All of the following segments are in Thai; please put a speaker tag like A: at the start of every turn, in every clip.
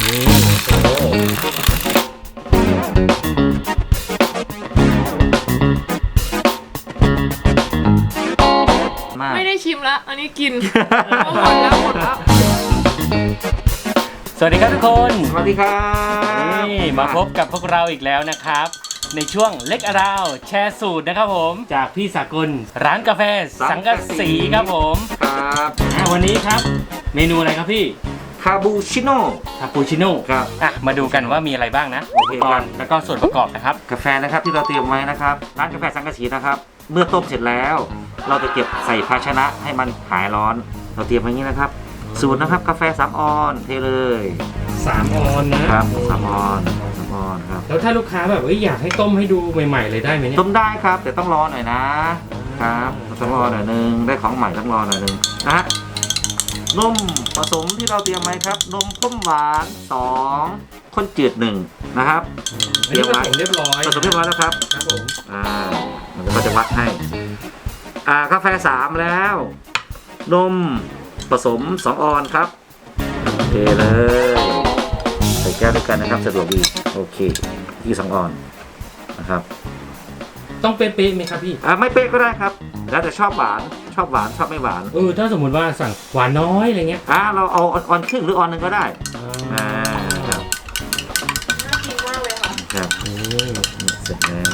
A: นี่โอ้
B: ไม่ได้ชิมละอันนี้กินหมดแล้ว
A: สวัสดีครับทุกคน
C: สวัสดีครับ
A: นี่มาพบกับพวกเราอีกแล้วนะครับ ในช่วงเล็กอราวแชร์สูตรนะครับผมจากพี่สากลร้านกาแฟสังกะสีครับผม
C: ครับ
A: วันนี้ครับเมนูอะไรครับพี่
C: คาบูชิโน่
A: คาปูชิโน่
C: ครับ
A: มาดูกันว่ามีอะไรบ้างนะ
C: โอเค
A: อุปก
C: ครั
A: ร
C: บ
A: ณ์แล้วก็ส่วนประกอบนะครับ
C: กาแฟนะครับที่เราเตรียมไว้นะครับร้านกาแฟสังกะสีนะครับเมื่อต้มเสร็จแล้ว เราจะเก็บใส่ภาชนะให้มันหายร้อน เราเตรียมไว้อย่างนี้นะครับสูตรนะครับกาแฟ3 ออนเทเลย
A: 3 ออนนะครับ
C: 3 ออนครับ
A: แล้วถ้าลูกค้าแบบอยากให้ต้มให้ดูใหม่ๆเลยได้ไหมเนี่ย
C: ต้มได้ครับแต่ต้องรอหน่อยนะครับต้องรอหน่อยนึงได้ของใหม่ต้องรอหน่อยนึงนะฮะนมผสมที่เราเตรียมไว้ครับนมข้นหวาน2ข้นจืด1นะครับ
A: อันนี้ผสมเรียบร้อย
C: ผสมเรียบร้อยแล้วครับ
A: ครับผม
C: มันก็จะวัดให้กาแฟ3แล้วนมผสม2 ออนครับโอเคเลยใส่แก้วด้วยกันนะครับสะดวกดีโอเคที่2 ออนนะครับ
A: ต้องเป๊ะๆไหมครับพี่
C: ไม่เป๊ะก็ได้ครับแล้วแต่ชอบหวานชอบไม่หวาน
A: ถ้าสมมุติว่าสั่งหวานน้อยอะไรเงี้ย
C: เราเอาออนครึ่งหรือออนหนึ่งก็ได้ครับ
B: น่ากินมากเลยค่ะ
C: ครับเสร็จแล้ว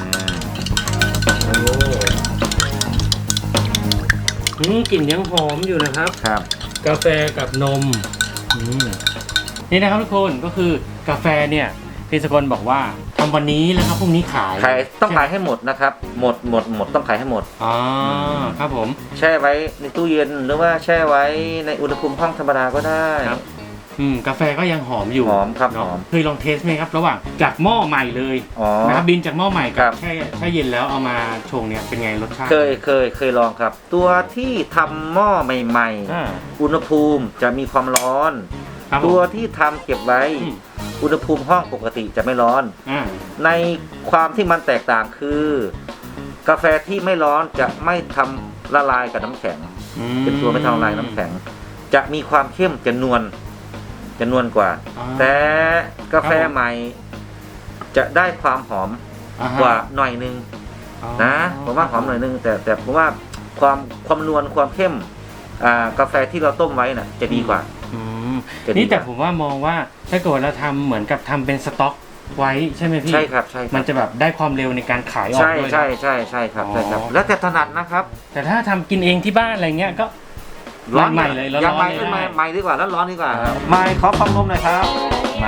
A: กลิ่นยังหอมอยู่นะครับ
C: ครับ
A: กาแฟกับนมนี่นะครับทุกคนก็คือกาแฟเนี่ยพี่สกลบอกว่าทำวันนี้แล้วครับพรุ่งนี้ขาย
C: ต้องขายให้หมดนะครับหมดต้องขายให้หมด
A: อ๋อครับผม
C: แช่ไว้ในตู้เย็นหรือว่าแช่ไว้ในอุณหภูมิห้องธรรมดาก็ได้
A: ครับกาแฟก็ยังหอมอยู่
C: หอมครับ
A: เนาะ
C: หอม
A: เคยลองเทสไหมครับระหว่างจากหม้อใหม่เลย นะครับบินจากหม้อใหม่
C: ครั
A: กับบ แช่เย็นแล้วเอามาชงเนี่ยเป็นไงรสชาติ
C: เคยลองครับ ตัวที่ทำหม้อใหม่
A: อ่า
C: ๆอุณหภูมิจะมีความร้อน
A: ครับผม
C: ตัวที่ทำเก็บไว้
A: อืม
C: อุณหภูมิห้องปกติจะไม่ร้อน
A: อ่า
C: ในความที่มันแตกต่างคือ กาแฟที่ไม่ร้อนจะไม่ทำละลายกับน้ำแข็ง เป็นตัวไม่ทำละลายน้ำแข็ง จะมีความเข้มจะนวลกว่า แต่กาแฟใหม่ จะได้ความหอมกว่าหน่อยนึงนะผมว่าหอมหน่อยนึงแต่ผมว่าความนวลความเข้มกาแฟที่เราต้มไว้น่ะจะดีกว่า
A: นี่แต่ผมว่ามองว่าถ้าเกิดเราทำเหมือนกับทำเป็นสต็อกไว้ใช่ไหมพี่
C: ใช่ครับ
A: มันจะแบบได้ความเร็วในการขายออก
C: ใช่
A: ด้วย
C: ใช่ครับ แล้วแต่ถนัดนะครับ
A: แต่ถ้าทำกินเองที่บ้านอะไรเงี้ยก็ ใหม่เลยร้อนๆ
C: ยังใหม่
A: เลยได้
C: ใหม่ดีกว่าแล้วร้อนดีกว่าใหม่ขอฟองนมหน่อยครับมา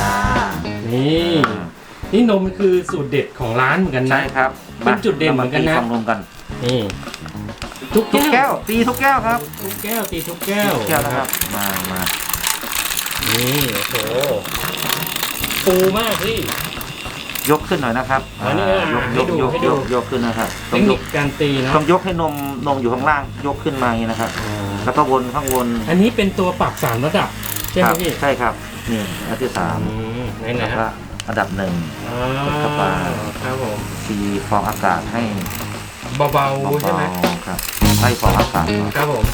A: นี่นมคือสูตรเด็ดของร้านเหมือนกันนะ
C: ใช่ครับ
A: เป็นจุดเด่นเหมือนกันนะ
C: ฟองนมกัน
A: นี่ทุก
C: ทุก
A: แก้
C: แก้
A: ว
C: วตีทุกแก้วครับ
A: ทุกแก้วตีทุกแก้ว
C: ทุกแก้วนะครับมา
A: นี่โอ้โหฟูมากพี่
C: ยกขึ้นหน่อยนะครับ
A: อันนี้ให้ดูให้ดู
C: ยกขึ้นนะครับ
A: เท
C: ต้อ
A: ค
C: งย
A: นิ
C: ก
A: คการตีเนาะ
C: ต้องยกให้นมอยู่ข้างล่างยกขึ้นมาอย่างนี้นะครับ แล้วก็วนข้างบน
A: อันนี้เป็นตัวปรับ3ระดับใช่ไหมพี่
C: ใช่ครับนี่อันที่3
A: ไหน
C: แล้ว
A: ฮะ
C: ก็อันดับ1 เข้าไป
A: ครับผม
C: ตีฟองอากาศให้
A: เบาๆใช่ไหม
C: เบาๆครับไล่ฟองอากาศก่อน
A: ครับผม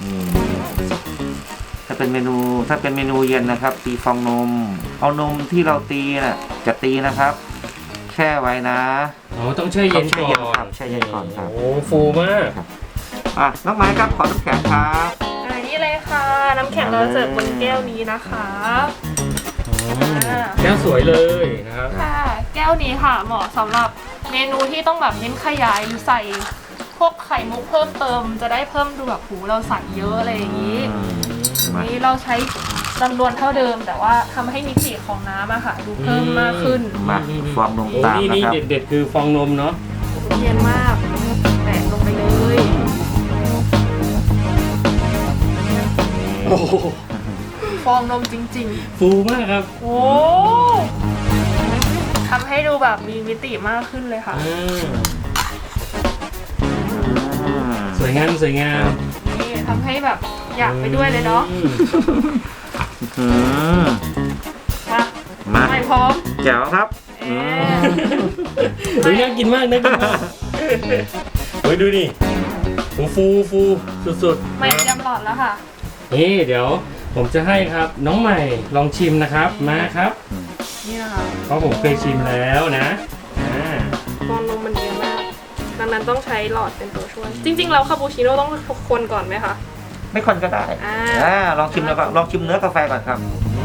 C: ถ้าเป็นเมนูเย็นนะครับ ตีฟองนม เอานมที่เราตีน่ะจะตีนะครับ แช่ไว้นะ
A: ต้องแช่เย็นก่อน
C: ครับแช่เย็นก่อนครับ
A: โอ้ฟูมาก
C: น้องไม้ครับขอน้ำแข็งครับ
B: นี่เลยค่ะ น้ำแข็งเราเสิร์ฟบนแก้วนี้นะคะ
A: แก้วสวยเลยนะครับ
B: ค่ะ แก้วนี้ค่ะเหมาะสำหรับเมนูที่ต้องแบบเน้นขยายหรือใส่พวกไข่มุกเพิ่มเติม จะได้เพิ่มดูแบบหูเราใส่เยอะอะไรอย่างนี้ นี้เราใช้จำนวนเท่าเดิม แต่ว่าทำให้มิติของน้ำอะค่ะ ดูเพิ่มมากขึ้น
C: มาฟองนมตาม
A: นี่
C: นะครับ
A: เด็ดๆคือฟองนมเนาะ
B: เย็นมากแตะลงไปเลย
A: โอ้โห
B: ฟองนมจริง
A: ฟูมากครับ
B: ๆ โอ้ทำให้ดูแบบมีมิติมากขึ้นเลยค่ะ
A: สวยงาม
B: นี่ทำให้แบบอยากไปด้วยเลยเนาะ
C: มา
B: ไม่พร้อม
C: แจ๋วครับ
A: เฮ้ยน่ากินมากเฮ้ยดูดิฟูสุดๆ
B: ไม่เตรียมหลอดแล้วค่ะ
A: นี่เดี๋ยวผมจะให้ครับน้องใหม่ลองชิมนะครับมาครับ
B: นี่นะคะ
A: เพราะผมเคยชิมแล้วนะ
B: ฟองนมมันเยอะมาก ดังนั้นต้องใช้หลอดเป็นตัวช่วย จริงๆแล้วคาปูชิโน่ต้องคนก่อนไหมคะ
C: ไม่คนก็ได้ ลองชิมแล้วก็ลองชิมเนื้อกาแฟก่อนครับ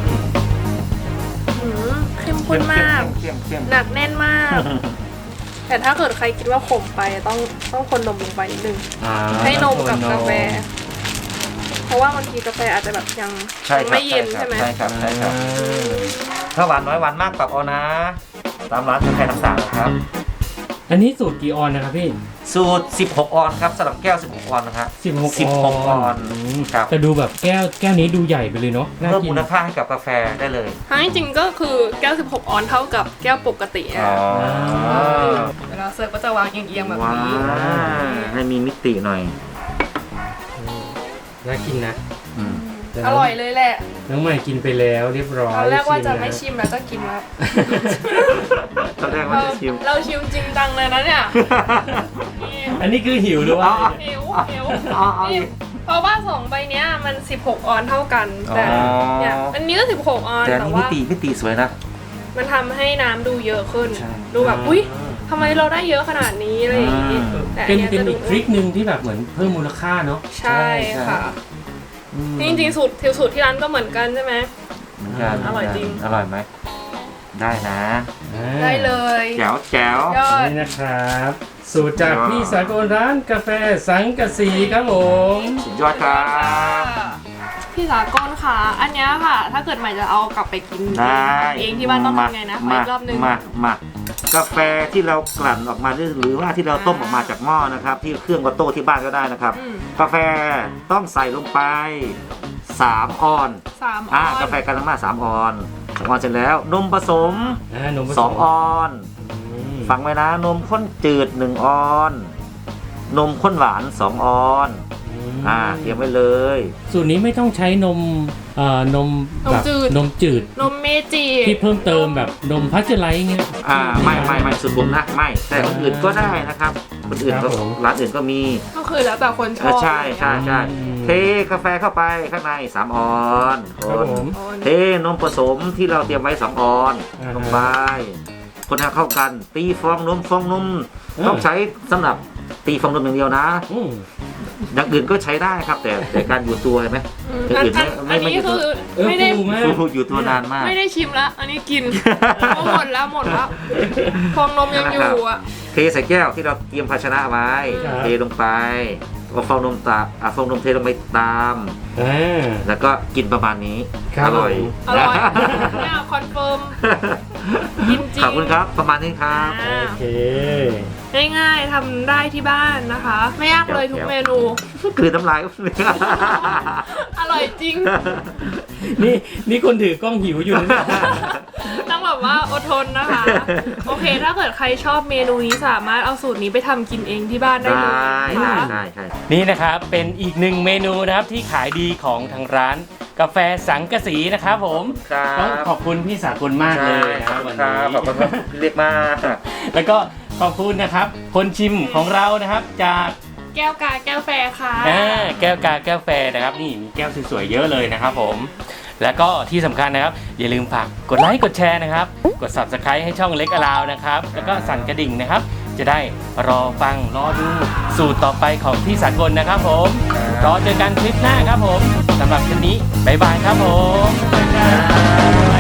B: เข้มข้นมาก
C: เข้ม
B: หนักแน่นมาก แต่ถ้าเกิดใครคิดว่าขมไปต้องคนนมลงไปนิดนึง ให้นมกับกาแฟ เพราะว่าบางทีกาแฟอาจจะแบบยัง
C: ใช่ครับ
B: ไม่เย็นใช่ไหม
C: ใช่ครับถ้าหวานน้อยหวานมากปรับเอานะ ตามร้านกาแฟต่างๆนะครับ
A: อันนี้สูตรกี่ออนนะครับพี่
C: สูตร 16 ออนครับสำหรับแก้ว 16 ออนนะครับ
A: 16
C: ออนครับ
A: แต่ดูแบบแก้วนี้ดูใหญ่ไปเลยเนาะน่า
C: เพิ่ม
A: กิน
C: มูลค่าให้กับกาแฟได้เลย
B: ทั้งจริงๆก็คือแก้ว 16 ออนเท่ากับแก้วปกติ
C: อ๋อ
B: เวลาเสิร์ฟก็จะวางเอียงๆแบบ
C: ว้า
B: นี้
C: ให้มีมิติหน่อย
A: น่ากินนะ
C: อืม
B: อร่อยเลยแหละ
A: น้องใหม่กินไปแล้วเรียบร้อย
B: ตอนแรกว่าจะไม่
A: ชิ
B: ชิมแล้วก็กินแล้ว
C: ตอนแรกว่าจะชิม
B: เราชิมจริงจังเลยนะเนี่ยนี่
A: อันนี้คือหิวหรือว่า
B: หิว
C: เอาอี
B: นี่
C: ก
B: เพราะว่า2ใบเนี้ยมัน 16 ออนเท่ากัน แต่
C: อ๋อ
B: เนี่ยอันนี้ก็ 16 ออน
C: แต่อัน
B: แต่
C: นี้
B: ว่า
C: มิติสวยนะ
B: มันทำให้น้ำดูเยอะขึ้น
C: ใช่
B: ดูแบบอุ้ยทำไมเราได้เยอะขนาดนี้อะไรอย่างงี้
C: อืม
B: แต่อั
A: เป็น
B: ย
A: เป็น
B: จะ
A: อีกทริคหนึ่งที่แบบเหมือนเพิ่มมูลค่าเนาะ
B: ใช่ค่ะนี่จริงๆสูตรที่ร้านก็เหมือนกันใช่ไหม
C: เหมือนกัน
B: อร่อยจริง
C: อร่อยไหม ได้นะ
B: ได้เลย
C: แจ๋วแจ๋วย
B: อด
A: นี่นะครับ สูตรจากพี่สากลร้านกาแฟสังกะสีครับผม
C: สุดยอดครับ
B: พี่สากลค่ะ อันเนี้ยค่ะ ถ้าเกิดใหม่จะเอากลับไปกิน
C: ได้
B: เองที่บ้านต้องทำไงนะขออีกรอบนึง
C: มากาแฟที่เรากลั่นออกมาหรือว่าที่เราต้มออกมาจากหม้อนะครับ ที่เครื่องวัตโต้ที่บ้านก็ได้นะครับ
B: อืม
C: กาแฟต้องใส่ลงไป3 ออน
B: 3 ออน
C: กาแฟกันทั้งมา3 ออน2 ออนเสร็จแล้วนมผสม
A: นมผสม
C: 2 ออน ฟังไว้นะนมข้นจืด1 ออน นมข้นหวาน2 ออนเตรียมไว้เลย
A: สูตรนี้ไม่ต้องใช้นมนมแบบนมจืด
B: นมเมจิ
A: ที่เพิ่มเติมแบบนมพัชไลท์เงี้ย
C: ไม่สุดผมนะไม่แต่คนอื่นก็ได้นะครับคนอื่นก็
A: ครับผม
C: ร้านอื่นก็มี
B: ก็คือแล้วแต่คนชอบ
C: ใช่เทกาแฟเข้าไปข้างใน3 ออนค
A: ครับ
C: น
A: ผม
C: เทนมผสมที่เราเตรียมไว้2 ออน
A: อ่าฮะ
C: ลงไปคนให้เข้ากันตีฟองนมต้องใช้สำหรับตีฟองนมอย่างเดียวนะ
A: อืม
C: อย่างอื่นก็ใช้ได้ครับ แต่การอยู่ตัวเห็นไหม อย่างอื่นไม่
B: อันนี้คือ
A: เออ
B: ไม่ได้
A: ฟูมาก
C: ฟูอยู่ตัวนานมาก
B: ไม่ได้ชิมละอันนี้กินเพราะหมดแล้วฟองนมยังอยู่อ่ะ
C: เทใส่แก้วที่เราเตรียมภาชนะไว้
A: ครับ
C: เทลงไปเอาฟองนมฟองนมเทลงไปตาม แล้วก็กินประมาณนี้
A: ครับ
C: อร่อย
B: อร่อยเนี่ยคอนเฟิร์ม กินจริง
C: ขอบคุณครับประมาณนี้ครับ
A: โอเค
B: ง่ายๆทำได้ที่บ้านนะคะ ไม่ยากเลยทุกเมนู
C: คือน้ำลาย
B: อร่อยจริง
A: นี่คนถือกล้องหิวอยู่นะ
B: ต้องแบบว่าอดทนนะคะ โอเค ถ้าเกิดใครชอบเมนูนี้สามารถเอาสูตรนี้ไปทำกินเองที่บ้านได้เลยนะคะ
C: ได้
A: นี่นะครับเป็นอีกหนึ่งเมนูนะครับที่ขายดีของทางร้านกาแฟสังกะสีนะครับผม
C: ครับ
A: ต้องขอบคุณพี่สากลมากเลยนะครับวันนี้
C: ขอบคุณครับเรียกมาก
A: แล้วก็ขอบคุณนะครับคนชิมของเรานะครับจาก
B: แก้วกาแก้วแฟร์ค่ะ
A: แก้วกาแก้วแฟร์นะครับนี่มีแก้วสวยๆเยอะเลยนะครับผมแล้วก็ที่สำคัญนะครับอย่าลืมฝากกดไลค์กดแชร์นะครับกด Subscribe ให้ช่องเล็กอลาวนะครับแล้วก็สั่นกระดิ่งนะครับจะได้รอฟังรอดูสูตรต่อไปของพี่สากลนะครับผมรอเจอกันคลิปหน้าครับผมสำหรับคลิปนี้บ๊ายบายครับผม